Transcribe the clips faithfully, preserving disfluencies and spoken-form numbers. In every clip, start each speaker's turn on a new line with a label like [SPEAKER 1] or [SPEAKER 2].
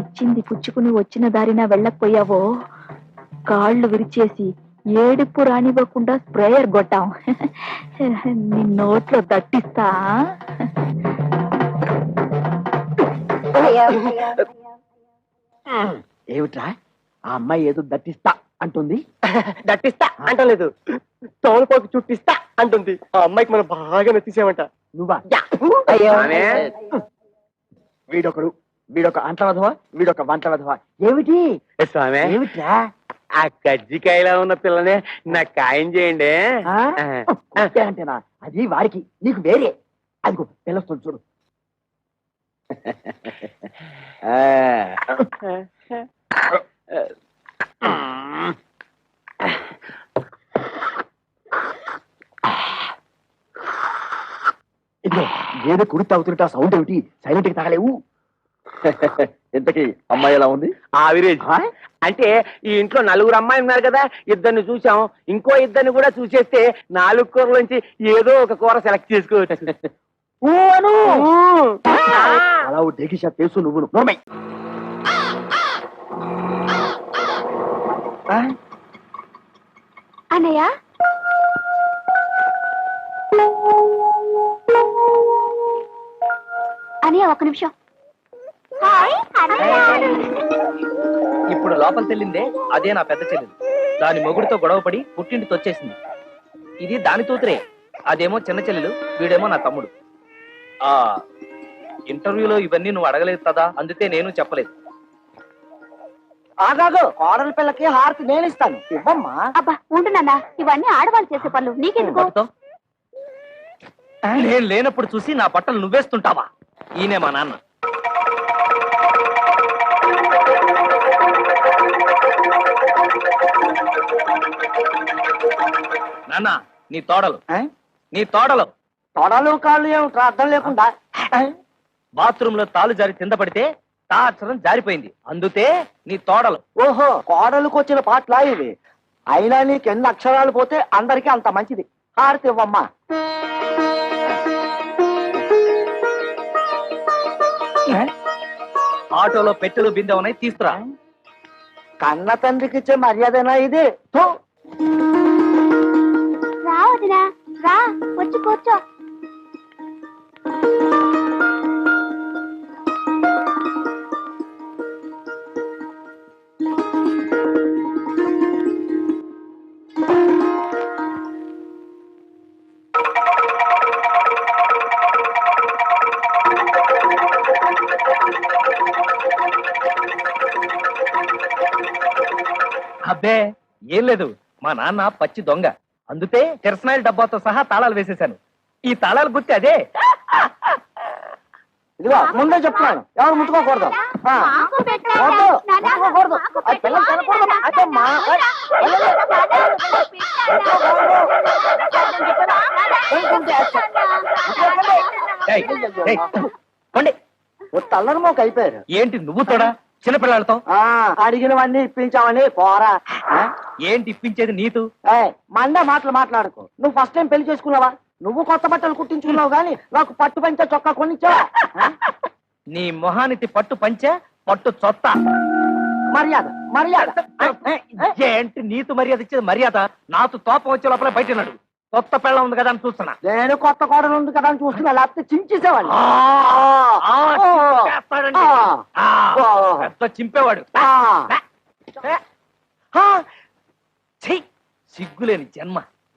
[SPEAKER 1] వచ్చింది పుచ్చుకుని వచ్చిన దారిన వెళ్ళకపోయావో కాళ్ళు విరిచేసి ఏడుపు రానివ్వకుండా స్ప్రేయర్ కొట్టాం. నీ నోట్లో దట్టిస్తా.
[SPEAKER 2] ఏమిట్రా ఆ అమ్మాయి ఏదో దట్టిస్తా అంటుంది?
[SPEAKER 3] దట్టిస్తా అంటలేదు, తోలుపోకి చుట్టిస్తా అంటుంది. ఆ అమ్మాయికి మనం బాగా నచ్చేసామంట.
[SPEAKER 2] నువ్వా?
[SPEAKER 4] స్వామి,
[SPEAKER 2] వీడొకడు, వీడొక అంట్ల వధవా, వీడొక వంట వధవా. ఏమిటి
[SPEAKER 4] స్వామి
[SPEAKER 2] ఏమిట్రా?
[SPEAKER 4] ఆ కజ్జికాయలా ఉన్న పిల్లనే నాకు ఖాయం చేయండి.
[SPEAKER 2] ఆ? అంతేనా? అది వారికి, నీకు వేరే. అదిగో పిలుస్తుంది చూడు. ఇదిగో ఏదో కుడి తాగుతుంటే ఆ సౌండ్ ఏమిటి? సైలెంట్ కి తాగలేవు. ఇంతకీ అమ్మాయి ఎలా ఉంది?
[SPEAKER 4] ఆవిరేజ్. అంటే ఈ ఇంట్లో నలుగురు అమ్మాయి ఉన్నారు కదా, ఇద్దరిని చూసాం, ఇంకో ఇద్దరిని కూడా చూసేస్తే నాలుగు కూరలోంచి ఏదో ఒక కూర సెలెక్ట్ చేసుకోవచ్చు.
[SPEAKER 2] అలా డేకిషా తెలుసు నువ్వు. నోర్మై
[SPEAKER 1] అన్నయ్య, అన్నయ్య ఒక నిమిషం.
[SPEAKER 5] ఇప్పుడు లోపల తెల్లిందే అదే నా పెద్ద చెల్లెలు. దాని మొగుడితో గొడవపడి పుట్టింటికి వచ్చేసింది. ఇది దాని తూతురే, అదేమో చిన్న చెల్లెలు, వీడేమో నా తమ్ముడు. ఆ ఇంటర్వ్యూలో ఇవన్నీ నువ్వు అడగలేదు కదా, అందుకే నేను చెప్పలేదు.
[SPEAKER 2] ఆగాగు, కోడల పిల్లకి హారతి నేను ఇస్తాను, ఇవ్వమ్మా.
[SPEAKER 1] అబ్బా ఉంటున్నా, ఇవన్నీ ఆడవాళ్ళు చేసే పనులు, నీకెందుకు?
[SPEAKER 5] పట్టుతో. నేను లేనప్పుడు చూసి నా బట్టలు నువ్వేస్తుంటావా? ఈయనే మా నాన్న. నాన్న, నీ తోడలు నీ తోడలు
[SPEAKER 2] తొడలు కాళ్ళు ఏమిట్రా అర్థం లేకుండా?
[SPEAKER 5] బాత్రూమ్ లో తాలు జారి కింద పడితే తా అక్షరం జారిపోయింది, అందుతే నీ తోడలు.
[SPEAKER 2] ఓహో, కోడలకు వచ్చిన పాటలా ఇవి? అయినా నీకు ఎన్ని అక్షరాలు పోతే అందరికీ అంత మంచిది. హారతి ఇవ్వమ్మా.
[SPEAKER 5] ఆటోలో పెట్టెలు బిందె ఉన్నాయి, తీసుకురా.
[SPEAKER 2] కన్న తండ్రికి ఇచ్చే మర్యాదనా ఇది? థూ.
[SPEAKER 1] రా వదినా, రా వచ్చి కూర్చో.
[SPEAKER 5] అబ్బే ఏం లేదు, మా నాన్న పచ్చి దొంగ, అందుతే కిరసనాయిల డబ్బాతో సహా తాళాలు వేసేశాను. ఈ తాళాలు గుర్తి అదే.
[SPEAKER 2] ఇదిగో ముందే చెప్తున్నాను, ఎవరు ముట్టుకోకూడదు. ఆ, వద్దు, ముట్టుకోకూడదు. ఆ పిల్లలు తినకూడదు. అదే మా
[SPEAKER 5] ఏయ్, ఏయ్, పోండి.
[SPEAKER 2] తల్లరి మోక అయిపోయారు.
[SPEAKER 5] ఏంటి నువ్వు తోడా చిన్నపిల్లలతో?
[SPEAKER 2] ఆ అడిగినవన్నీ ఇప్పించామని పోరా.
[SPEAKER 5] ఏంటి ఇప్పించేది నీతు?
[SPEAKER 2] మండే మాటలు మాట్లాడుకో. నువ్వు ఫస్ట్ టైం పెళ్లి చేసుకున్నావా? నువ్వు కొత్త బట్టలు కుట్టించుకున్నావు గానీ నాకు పట్టు పంచ చొక్కా కొనిచ్చావా?
[SPEAKER 5] నీ మొహానికి పట్టు పంచే పట్టు చొత్త.
[SPEAKER 2] మర్యాద మర్యాద.
[SPEAKER 5] ఏంటి నీతు మర్యాద ఇచ్చేది? మర్యాద నాతో తోపం వచ్చే లోపల బయట నాడు. కొత్త పెళ్ళ ఉంది కదా అని చూస్తున్నా.
[SPEAKER 2] నేను కొత్త కోడలు ఉంది కదా అని చూస్తున్నా, లేకపోతే చించేసేవాడిని.
[SPEAKER 5] చింపేవాడు. సిగ్గులేని జన్మ.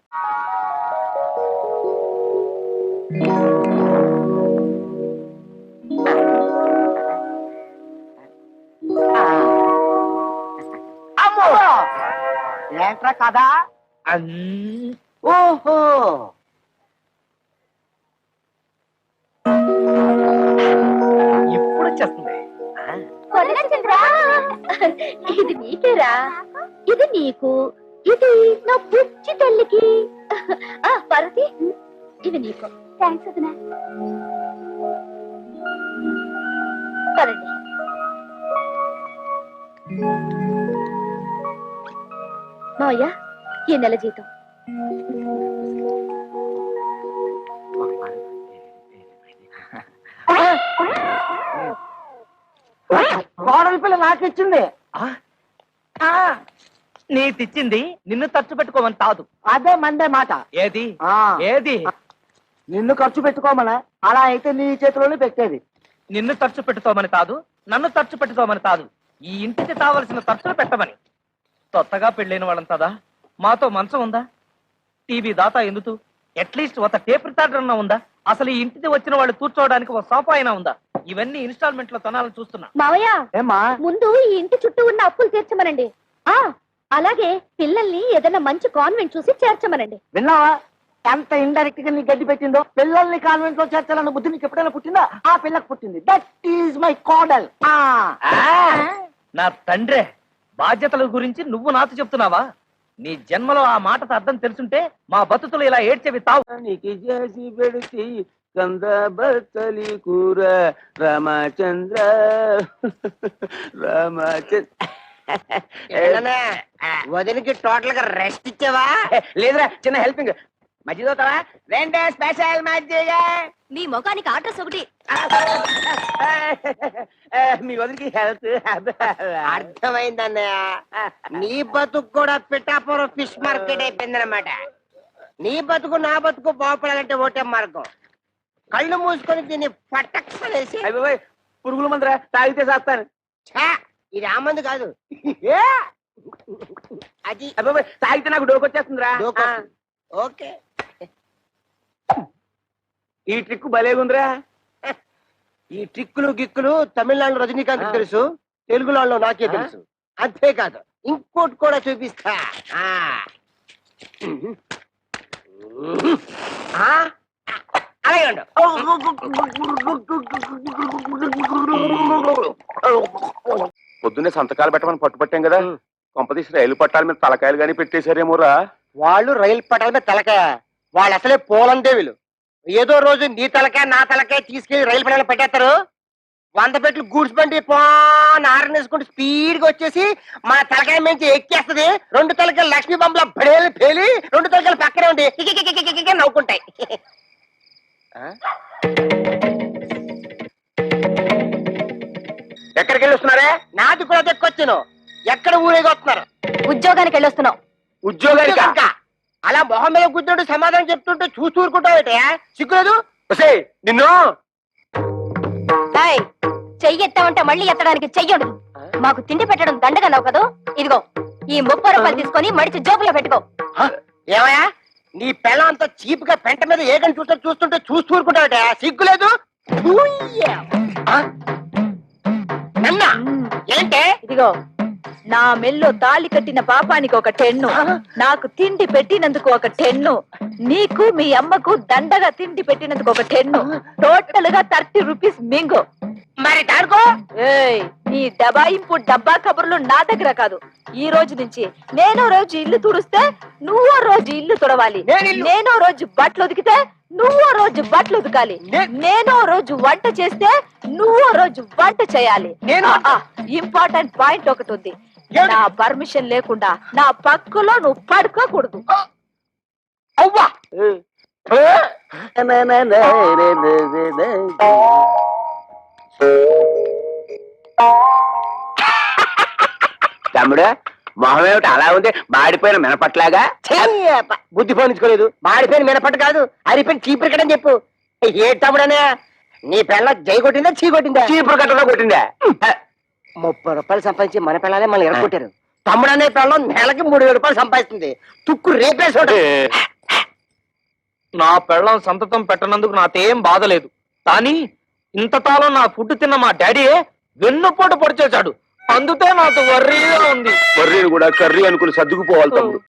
[SPEAKER 2] ఏంట్రా కదా? ఓహో,
[SPEAKER 5] ఇప్పుడు వచ్చేస్తుంది.
[SPEAKER 1] ఇది నీకేరా, ఇది నీకు, ఇది నా పుచ్చి తల్లికి. పరతి, ఇది నీకు. థ్యాంక్స్ వదినా. పదండి. మావయ్య, ఈ నెల జీతం.
[SPEAKER 2] కోడలు
[SPEAKER 3] కోడలి పిల్ల నాకు ఇచ్చింది.
[SPEAKER 5] ఆ? నీ తెచ్చింది నిన్ను ఖర్చు పెట్టుకోమని కాదు.
[SPEAKER 3] అదే మందే మాట.
[SPEAKER 5] ఏది
[SPEAKER 3] ఆ
[SPEAKER 5] ఏది
[SPEAKER 3] నిన్ను ఖర్చు పెట్టుకోమనా? అలా అయితే నీ చేతిలోనే పెట్టేది.
[SPEAKER 5] నిన్ను ఖర్చు పెట్టుకోమని కాదు, నన్ను ఖర్చు పెట్టుకోమని కాదు, ఈ ఇంటికి కావలసిన ఖర్చులు పెట్టమని. కొత్తగా పెళ్ళైన వాళ్ళంతదా మాతో మంచం ఉందా, టీవీ దాతా ఎందుకు, అట్లీస్ట్ ఒక టేప్ రికార్డర్ అన్నా ఉందా, అసలు ఈ ఇంటికి వచ్చిన వాళ్ళు కూర్చోవడానికి ఒక సోఫా అయినా ఉందా? ఇవన్నీ ఇన్స్టాల్మెంట్ లో కొనాలని చూస్తున్నా.
[SPEAKER 1] మావయ్య
[SPEAKER 3] ఏమ్మా?
[SPEAKER 1] ముందు ఈ ఇంటి చుట్టూ ఉన్న అప్పులు తీర్చమనండి. ఆ అలాగే పిల్లల్ని ఏదైనా మంచి కాన్వెంట్ చూసి చేర్చమనండి.
[SPEAKER 3] విన్నావా ఎంత ఇండైరెక్ట్ గా నీ గడ్డి పెట్టిందో? పిల్లల్ని కాన్వెంట్ లో చేర్చాలన్న బుద్ధి నీకు ఎప్పుడైనా పుట్టిందా? ఆ పిల్లకు పుట్టింది. దట్ ఈజ్ మై కోడల్.
[SPEAKER 5] ఆ, నా తండ్రే, బాధ్యతల గురించి నువ్వు నాతో చెప్తున్నావా? నీ జన్మలో ఆ మాటతో అర్థం తెలుసుంటే మా బతుకులు ఇలా ఏడ్చేవి తావు.
[SPEAKER 4] చేసి పెడితే కంద బచ్చలి కూర రామచంద్ర రామచంద్ర.
[SPEAKER 3] వదినికి టోటల్ గా రెస్ట్ ఇచ్చావా?
[SPEAKER 4] లేదురా, చిన్న హెల్పింగ్. మజ్జిగ అవుతావా? రెండే స్పెషల్ మజ్జిగ.
[SPEAKER 1] నీ ముఖానికి అడ్రస్ ఒకటి.
[SPEAKER 4] మీ వదిలికి హెల్త్
[SPEAKER 3] అర్థమైందన్నయ్య. నీ బతుకు కూడా పిఠాపురం ఫిష్ మార్కెట్ అయిపోయిందన్నమాట. నీ బతుకు నా బతుకు బాగుపడాలంటే ఒకటే మార్గం. కళ్ళు మూసుకొని దీన్ని పట్టక్కనేసి.
[SPEAKER 4] అయిపోయి పురుగుల మందురా, తాగితే చేస్తాను.
[SPEAKER 3] ఛా, ఇది ఆ మందు కాదు. అది
[SPEAKER 4] అయిపోయి తాగితే నాకు డోకొచ్చేస్తుందిరా.
[SPEAKER 3] డోకొస్తుంది. ఓకే,
[SPEAKER 4] ఈ ట్రిక్ భలేగుందిరా.
[SPEAKER 3] ఈ ట్రిక్కులు గిక్కులు తమిళనాడు రజనీకాంత్ తెలుసు, తెలుగులో నాకే తెలుసు. అంతేకాదు ఇంకోటి కూడా చూపిస్తా. ఆ. ఆ? అలాగే ఉండు.
[SPEAKER 2] పొద్దున్నే సంతకాలు పెట్టమని పట్టుపట్టాం కదా, కొంపతీసి రైలు పట్టాల మీద తలకాయలు గానీ పెట్టేశారేమోరా.
[SPEAKER 3] వాళ్ళు రైలు పట్టాల మీద తలకాయ, వాళ్ళు అసలే పోలందేవులు. ఏదో రోజు నీ తలకాయ నా తలకాయ తీసుకెళ్లి రైలు పట్టాల పెట్టేస్తారు. వంద పెట్లు గూడ్స్ బండి పోన్ ఆరనేసుకుంటూ స్పీడ్ గా వచ్చేసి మన తలకాయ నుంచి ఎక్కేస్తది. రెండు తలకాయలు లక్ష్మీ బొమ్మల బడేలు పేలి రెండు తలకాయలు పక్కనే ఉండి కికికికికికికి నవ్వుకుంటాయి.
[SPEAKER 4] ఎక్కడికి వెళ్ళి వస్తున్నారే?
[SPEAKER 3] నాది కూడా దక్కొచ్చాను. ఎక్కడ ఊరేగి వస్తున్నారు?
[SPEAKER 1] ఉద్యోగానికి వెళ్ళొస్తున్నావు.
[SPEAKER 4] ఉద్యోగానికి
[SPEAKER 3] ఇంకా అలా మొహం మీద కూర్చుంటూ సమాధానం చెప్తుంటే చూస్తూ ఊరుకుంటావు. సిగ్గులేదు?
[SPEAKER 4] నిన్ను
[SPEAKER 1] ఏయ్, చెయ్యి ఎత్తామంటే మళ్ళీ ఎత్తడానికి చెయ్యడు. మాకు తిండి పెట్టడం దండగన్నావు కదా, ఇదిగో ఈ ముప్పై రూపాయలు తీసుకొని మడిచి జోబులో పెట్టుకో.
[SPEAKER 3] ఏమయ్యా, నీ పిల్ల అంత చీప్ గా పెంట మీద ఏగని చూస్తే చూస్తుంటే చూస్తూ ఊరుకుంటావట. సిగ్గులేదు? నన్నా ఏంటే?
[SPEAKER 6] ఇదిగో నా మెల్లో తాళి కట్టిన పాపానికి ఒక టెన్ను, నాకు తిండి పెట్టినందుకు ఒక టెన్ను, నీకు మీ అమ్మకు దండగా తిండి పెట్టినందుకు ఒక టెన్ను, టోటల్ గా థర్టీ రూపీస్ మింగు.
[SPEAKER 3] మరి దానికో?
[SPEAKER 6] ఏయ్, నీ డబాయింపు డబ్బా కబుర్లు నా దగ్గర కాదు. ఈ రోజు నుంచి నేనో రోజు ఇల్లు తుడిస్తే నువ్వో రోజు ఇల్లు తుడవాలి, నేనో రోజు బట్టలు ఉతికితే నువ్వో రోజు బట్టలు ఉతకాలి, నేనో రోజు వంట చేస్తే నువ్వో రోజు వంట చేయాలి. ఇంపార్టెంట్ పాయింట్ ఒకటి ఉంది, నా పర్మిషన్ లేకుండా నా పక్కలో నువ్వు పడుకోకూడదు.
[SPEAKER 3] అవ్వా
[SPEAKER 4] తమ్ముడు, మొహం ఏమిటి అలా ఉంది? మాడిపోయిన మినపట్లాగా.
[SPEAKER 3] బుద్ధి పోనించుకోలేదు. మాడిపోయిన మినపట్టు కాదు, అరిపోయిన చీపురు కట్టని చెప్పు. ఏ తమ్ముడనే, నీ పిల్ల జై కొట్టిందా చీ కొట్టిందా?
[SPEAKER 4] చీపురు కట్టలో కొట్టిందా?
[SPEAKER 3] ముప్పై రూపాయలు సంపాదించి మన పిల్లలే మళ్ళీ ఎరగొట్టారు. తమ్ముడనే పిల్ల నెలకి మూడు వేల రూపాయలు సంపాదిస్తుంది. తుక్కు రేపేసోడు.
[SPEAKER 5] నా పెళ్ళం సంతతం పెట్టనందుకు నాకేం బాధలేదు, కానీ ఇంతకాలం నా ఫుడ్ తిన్న మా డాడీ వెన్నుపోటు పొడిచేశాడు. అందుకే నాకు వర్రీగా ఉంది.
[SPEAKER 2] వర్రీని కూడా కర్రీ అనుకుని సర్దుకుపోవాలి తమ్ముడు.